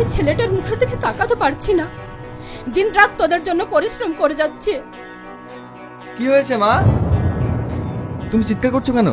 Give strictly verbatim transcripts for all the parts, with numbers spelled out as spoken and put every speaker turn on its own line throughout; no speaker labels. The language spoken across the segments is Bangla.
ওই ছেলেটার মুখের দিকে তাকাতে পারছি না। দিন রাত তোদের জন্য পরিশ্রম করে যাচ্ছে।
কি হয়েছে মা, তুমি চিৎকার করছো কেন?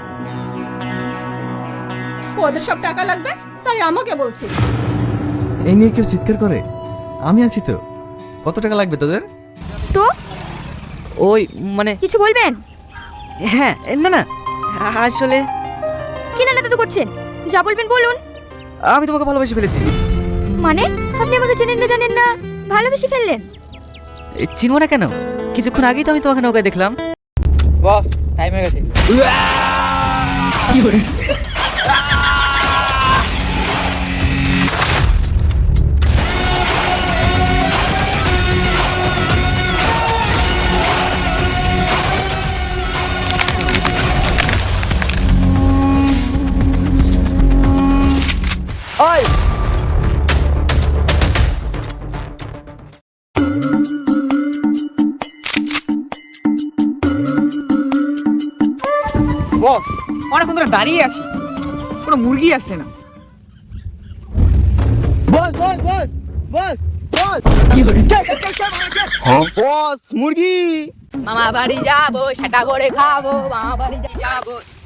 ওদের সব টাকা লাগবে তাই আমাকে বলছে।
এই নিয়ে কেউ চিৎকার করে? আমি আছি তো। কত টাকা লাগবে তোদের?
তো
ওই মানে
কিছু বলবেন?
হ্যাঁ, না না আসলে
কি না তো করছেন, যা বলবেন বলুন।
আমি তোমাকে ভালোবেসে ফেলেছি।
মানে আপনি আমাকে চেনেন না জানেন না, ভালোবেসে ফেললেন?
এ, চিনবো না কেন? কিছুক্ষণ আগেই তো আমি তোমাকে নৌকায় দেখলাম।
বস টাইম হয়ে গেছে।
ওই
বস অনেকক্ষণ ধরে দাঁড়িয়ে আছি, কোনো মুরগি আসছে না।
বস বস বস বস বস বস মুরগি।
মামা বাড়ি যাবো, সেটা করে খাবো, মামা বাড়ি যাবো।